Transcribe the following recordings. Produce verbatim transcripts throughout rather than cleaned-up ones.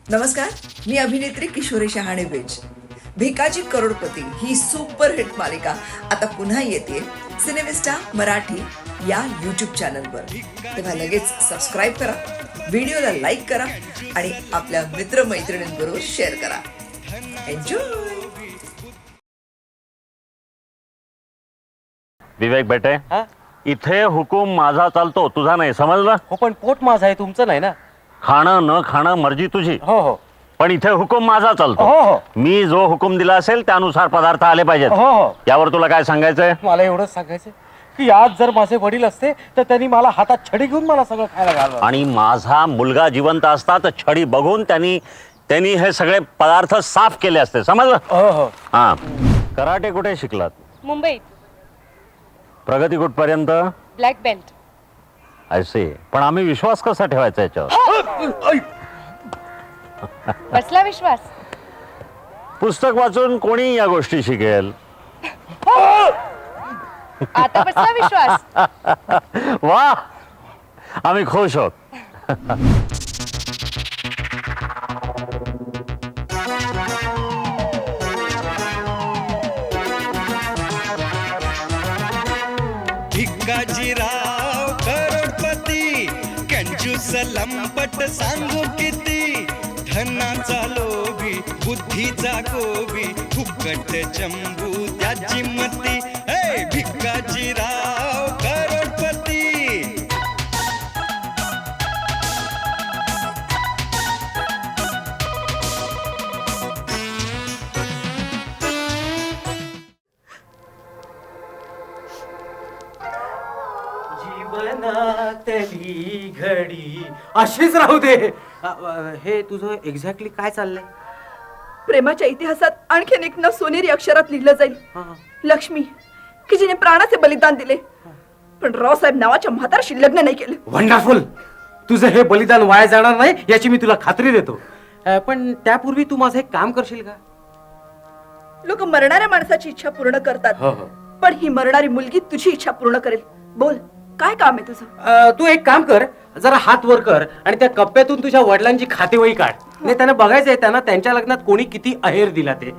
नमस्कार, मी अभिनेत्री किशोरी शहाणे बेज. भिकाजी करोडपती ही सुपरहिट मालिका आता पुन्हा येते सिनेमिस्टा मराठी या यूट्यूब चॅनलवर. तेव्हा लगेच सबस्क्राईब करा, व्हिडिओला लाईक करा आणि आपल्या मित्रमैत्रिणींबरोबर शेअर करा. एन्जॉय. विवेक बेटे, हा? इथे हुकूम माझा चालतो, तुझा नाही, समजलं? हो पण पोट माझं आहे, तुमचं नाही ना. खाणं न खाणं मर्जी तुझी, हो हो पण इथे हुकूम माझा चालतो. हो हो मी जो हुकूम दिला असेल त्यानुसार पदार्थ आले पाहिजेत. हो हो यावर तुला काय सांगायचंय? मला एवढंच सांगायचं की आज जर माझे वडील असते तर त्यांनी मला हातात छडी घेऊन मला सगळं खायला घालवलं. आणि माझा मुलगा जिवंत असता तर छडी बघून त्यांनी त्यांनी हे सगळे पदार्थ साफ केले असते, समजलं? हो हो हा. कराटे कुठे शिकलात? मुंबईत प्रगती कुठपर्यंत? Black belt. असे पण आम्ही विश्वास कसा ठेवायचा याच्यावर? बसला विश्वास? पुस्तक वाचून कोणी या गोष्टी शिकेल? आता बसला विश्वास? वा, आम्ही खुश आहोत. भिकाजीराव करोडपती, कंजूस लंपट सांगू किती, धनाचा लोभी बुद्धीचा गोबी, फुकट चंबू त्याची मती. हे भिकाजीराव करोडपती. जीवनातली घडी अशीच राहू दे. अ, अ, हे तुझं एक्झॅक्टली काय चाललंय? प्रेमाच्या इतिहासात आणखीन एक न सोनेरी अक्षरात लिहिलं जाईल. हा, हा. लक्ष्मी, की जिने प्राणाचे बलिदान दिले पण रावसाहेब नावाच्या म्हातारशी लग्न नाही केलं. वंडरफुल. तुझं हे बलिदान वाया जाणार नाही याची मी तुला खात्री देतो. अ, पण त्यापूर्वी तू माझं एक काम करशील का? लोक मरणाऱ्या माणसाची इच्छा पूर्ण करतात, हो हो पण ही मरणारी मुलगी तुझी इच्छा पूर्ण करेल. बोल, काय काम आहे तुझं? अ, तू एक काम कर, जरा हात वर कर आणि त्या कप्प्यातून तुझ्या वडिलांची खातेवही काढ. नाही, त्यांना बघायचंय त्यांना त्यांच्या लग्नात कोणी किती अहेर दिला ते.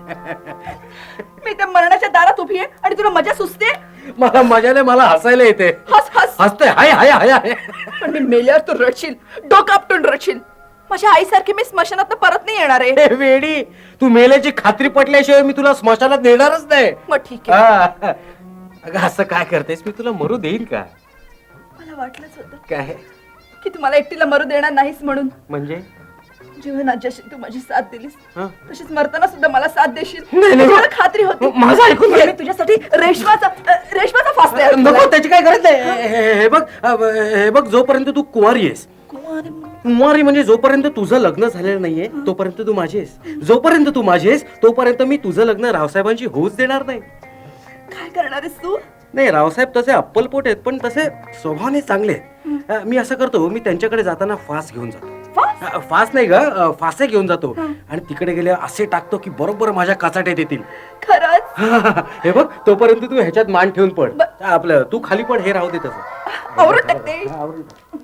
मी त्या मरणाच्या दारात उभी आहे आणि तुला मजा सुचते. मला मजाने मला हसायला येते. हस हस. हसते हाय हाय हाय हाय. पण मी मेल्यावर तू रडशील, डोकं आपटून रडशील. माझ्या आईसारखी मी स्मशानात परत नाही येणार आहे. हे वेडी, तू मेल्याची खात्री पटल्याशिवाय मी तुला स्मशानात नेणारच नाही. मग ठीक आहे. हा. अगं असं काय करतेस? मी तुला मरू देईन का? मला वाटलंच होतं काय की तू मला एकटीला मरू देणार नाहीस म्हणून. म्हणजे? जीवनात जशी तू माझी साथ दिलीस हं? तशीच मरताना सुद्धा मला साथ देशील. नाही, नाही. मला खात्री होती. माझं ऐकून घे. मी तुझ्यासाठी रेशमाचा अ, रेशमाचा फास तयार नको, केलाय. त्याची काय गरज नाही. हे- हे हे बघ, अ, हे बघ, जोपर्यंत तू कुवारी आहेस, कुमारी कुमारी म्हणजे जोपर्यंत तुझं लग्न झालेलं नाहीये तोपर्यंत तू माझी आहेस. जोपर्यंत तू माझी आहेस तोपर्यंत मी तुझं लग्न रावसाहेबांची होऊच देणार नाही. काय करणार आहेस तू? नाही, रावसाहेब तसे अप्पलपोट आहेत पण तसे स्वभावाने चांगले आहेत. अ, मी असं करतो, मी त्यांच्याकडे जाताना फास घेऊन जातो. फास? अ, फास नाही ग, अ, फासे घेऊन जातो आणि तिकडे गेले असे टाकतो की बरोबर माझ्या काचाट्यात येतील. खरंच? हे बघ, तोपर्यंत तू ह्याच्यात मान ठेवून पड. ब- आपलं तू खाली पड, हे राहू दे तसं. आवरून टाकते. हा, आवरून टाक.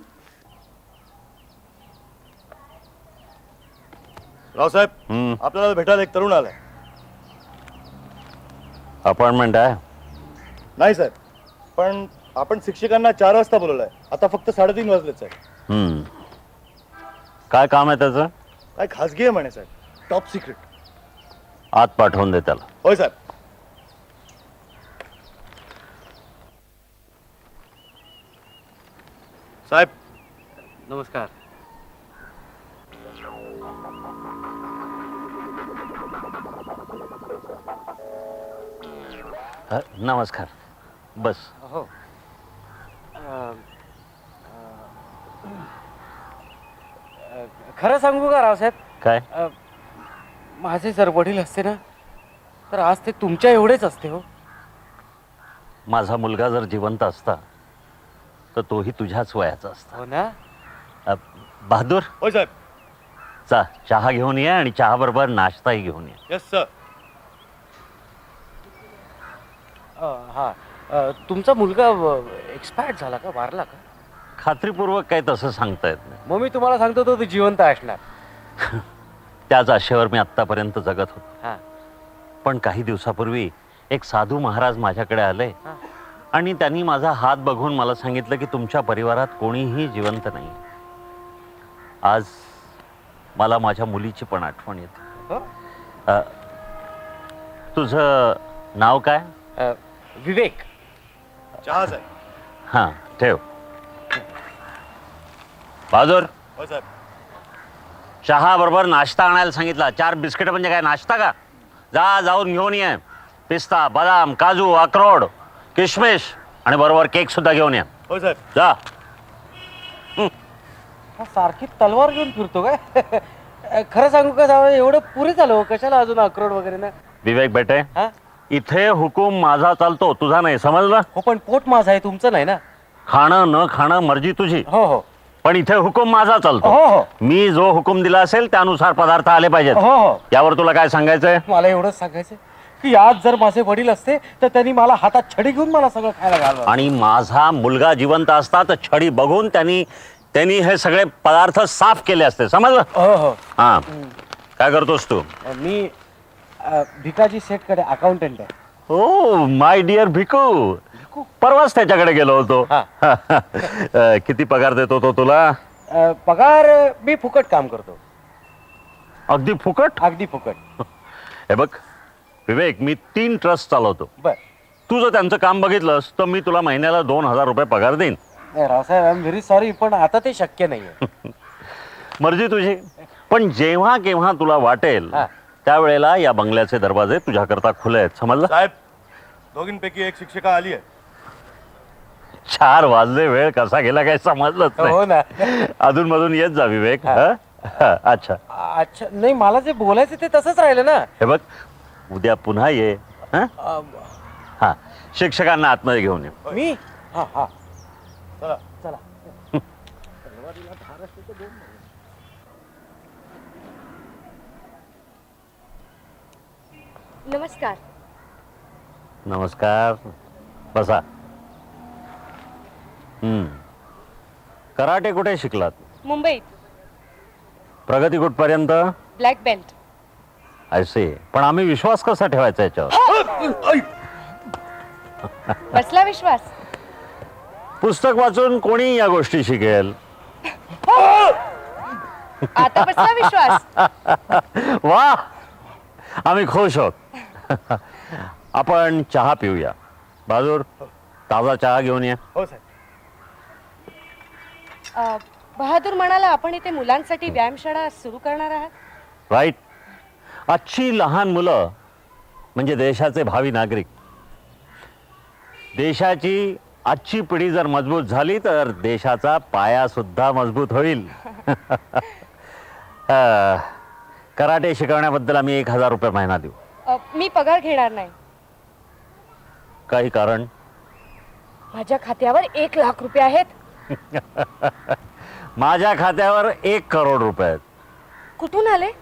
रावसाहेब, हम्म. आपल्याला भेटायला एक तरुण आलाय. अपॉइंटमेंट आहे? नाही साहेब, पण आपण शिक्षकांना चार वाजता बोलवलंय. आता फक्त साडेतीन वाजलेच आहे. हम्म. काय काम आहे त्याचं? काय खासगी आहे म्हणे साहेब, टॉप सिक्रेट. आत पाठवून दे त्याला. होय साहेब. साहेब, नमस्कार. ह, नमस्कार. बस. हो. खरं सांगू का रावसाहेब? काय? अ, माझे जर वडील असते ना तर आज ते तुमच्या एवढेच असते. हो, माझा मुलगा जर जिवंत असता तर तोही तुझ्याच वयाचा असता. हो ना? अ, बहादूर, होय साहेब. चा चहा घेऊन ये आणि चहा बरोबर नाश्ताही घेऊन ये. Yes sir. हा, तुमचा मुलगा एक्सपायर्ड झाला का, वारला का? खात्रीपूर्वक काही तसं सांगता येत नाही. मग मी तुम्हाला सांगतो तो जिवंत असणार. त्याच आशेवर मी आत्तापर्यंत जगत होतो. हा. पण काही दिवसापूर्वी एक साधू महाराज माझ्याकडे आले हा. आणि त्यांनी माझा हात बघून मला सांगितलं की तुमच्या परिवारात कोणीही जिवंत नाही. आज मला माझ्या मुलीची पण आठवण येते. हो? अ, तुझं नाव काय? अ, विवेक. चहा साहेब. हां ठेव. बाजूर हो साहेब. चहा बरोबर नाश्ता आणायला सांगितला. चार बिस्किट म्हणजे काय नाश्ता का? जा जाऊन घेऊन ये. पिस्ता, बदाम, काजू, अक्रोड, किशमिश आणि बरोबर केक सुद्धा घेऊन ये. हो साहेब. जा. हा सारखी तलवार घेऊन फिरतो काय? खरं सांगू का सावळे, एवढं पुरे झालं हो, कशाला अजून अक्रोड वगैरे ना. विवेक बेटे, हा? इथे हुकूम माझा चालतो, तुझा नाही, समजलं? हो पण पोट माझं आहे, तुमचं नाही ना. खाणं न खाणं मर्जी तुझी, हो हो पण इथे हुकूम माझा चालतो. हो हो मी जो हुकूम दिला असेल त्यानुसार पदार्थ आले पाहिजेत. हो हो यावर तुला काय सांगायचंय? मला एवढंच सांगायचं की आज जर माझे वडील असते तर त्यांनी मला हातात छडी घेऊन मला सगळं खायला घालवलं. आणि माझा मुलगा जिवंत असता तर छडी बघून त्यांनी त्यांनी हे सगळे पदार्थ साफ केले असते, समजलं? हो हो हा. काय करतोस तू? मी अ, भिकाजी सेठकडे अकाउंटंट आहे. ओ माय डिअर भिकू, परवाच त्याच्याकडे गेलो होतो. हा. अ, किती पगार देतो तो तुला? अ, पगार मी फुकट काम करतो, अगदी फुकट? अगदी फुकट. हे बघ विवेक, मी तीन ट्रस्ट चालवतो. बर. तू जर त्यांचं काम बघितलंस तर मी तुला महिन्याला दोन हजार रुपये पगार देईन. नाही Raosaheb, I am very sorry, पण आता ते शक्य नाहीये. मर्जी तुझी, पण जेव्हा केव्हा तुला वाटेल हा. त्यावेळेला या बंगल्याचे दरवाजे तुझ्याकरता खुले आहेत, समजलं? साहेब, दोघींपैकी एक शिक्षिका आली आहे. चार वाजले, वेळ कसा गेला काय समजलंच हो नाही. ना. अधून मधून येत जा विवेक. हा. हा? हा, अच्छा. अच्छा, नाही मला जे बोलायचं ते तसंच राहिलं ना. हे बघ, उद्या पुन्हा ये. हा? अ, हा, शिक्षकांना आतमध्ये घेऊन ये. मी हा हा चला. चला. नमस्कार. नमस्कार, बसा. हम्म. कराटे कुठे शिकलात? मुंबईत प्रगती कुठपर्यंत? Black belt. असे, पण आम्ही विश्वास कसा ठेवायचा याच्यावर? बसला विश्वास? पुस्तक वाचून कोणी या गोष्टी शिकेल? आता बसला विश्वास? वा, आम्ही खुश आहोत. आपण चहा पिऊया. बाजूर, ताजा चहा घेऊन ये. हो साहेब. अ, बहादूर म्हणाला आपण इथे मुलांसाठी व्यायामशाळा सुरू करणार आहात. राईट. आजची लहान मुलं म्हणजे देशाचे भावी नागरिक. देशाची आजची पिढी जर मजबूत झाली तर देशाचा पाया सुद्धा मजबूत होईल. अ, कराटे शिकवण्याबद्दल आम्ही एक हजार रुपये महिना देऊ. अ, मी पगार घेणार नाही. काही कारण? माझ्या खात्यावर एक लाख रुपये आहेत. माझ्या खात्यावर एक करोड रुपये आहेत. कुठून आले?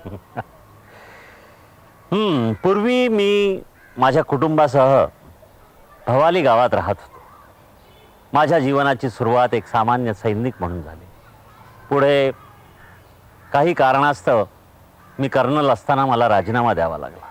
हम्म, पूर्वी मी माझ्या कुटुंबासह भवाली गावात राहत होतो. माझ्या जीवनाची सुरुवात एक सामान्य सैनिक म्हणून झाली. पुढे काही कारणास्तव मी कर्नल असताना मला राजीनामा द्यावा लागला.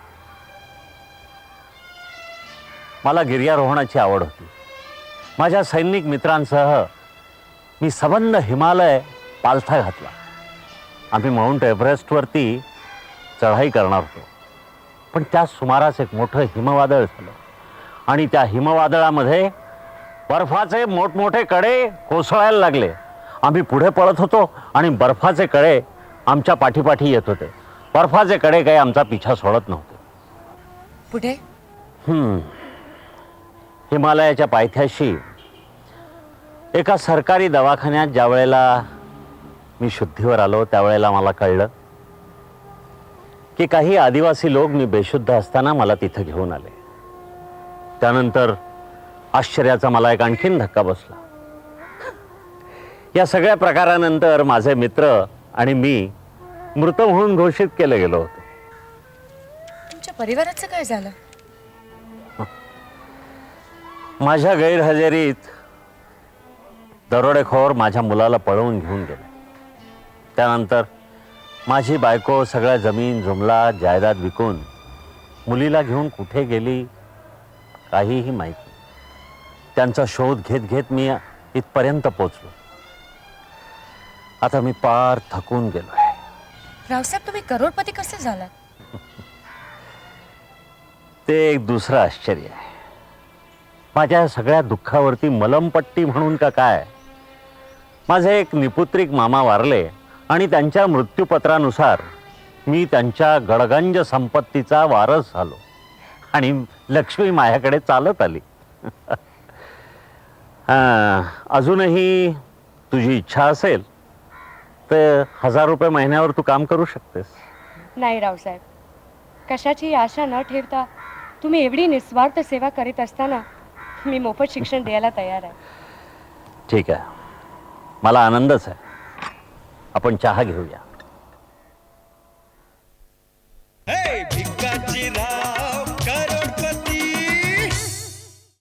मला गिर्यारोहणाची आवड होती. माझ्या सैनिक मित्रांसह मी सबंध हिमालय पालथा घातला. आम्ही माउंट एव्हरेस्टवरती चढाई करणार होतो, पण त्या सुमारास एक मोठं हिमवादळ झालं आणि त्या हिमवादळामध्ये बर्फाचे मोठमोठे कडे कोसळायला लागले. आम्ही पुढे पळत होतो आणि बर्फाचे कडे आमच्या पाठीपाठी येत होते. बर्फाचे कडे काही आमचा पिछा सोडत नव्हते. पुढे? हम्म. हिमालयाच्या पायथ्याशी एका सरकारी दवाखान्यात ज्या वेळेला मी शुद्धीवर आलो त्यावेळेला मला कळलं की काही आदिवासी लोक मी बेशुद्ध असताना मला तिथं घेऊन आले. त्यानंतर आश्चर्याचा मला एक आणखीन धक्का बसला. या सगळ्या प्रकारानंतर माझे मित्र आणि मी मृत म्हणून घोषित केले गेलो होतो. तुमच्या परिवाराचं काय झालं? माझ्या गैरहजेरीत दरोडेखोर माझ्या मुलाला पळवून घेऊन गेले. त्यानंतर माझी बायको सगळ्या जमीन जुमला जायदाद विकून मुलीला घेऊन कुठे गेली काहीही माहीत नाही. त्यांचा शोध घेत घेत मी इथपर्यंत पोचलो. आता मी पार थकून गेलोय. रावसाहेब तुम्ही करोडपती कसे झालात? ते एक दुसरं आश्चर्य आहे. माझ्या सगळ्या दुःखावरती मलमपट्टी म्हणून का काय, माझे एक निपुत्रिक मामा वारले आणि त्यांच्या मृत्यूपत्रानुसार मी त्यांच्या गडगंज संपत्तीचा वारस झालो आणि लक्ष्मी माझ्याकडे चालत आली. हां, अजूनही तुझी इच्छा असेल तर हजार रुपये महिन्यावर तू काम करू शकतेस. नाही रावसाहेब, कशाची आशा न ठेवता तुम्ही एवढी निस्वार्थ सेवा करीत असताना मी मोफत शिक्षण द्यायला तयार आहे. ठीक आहे, मला आनंदच आहे. आपण चहा घेऊया.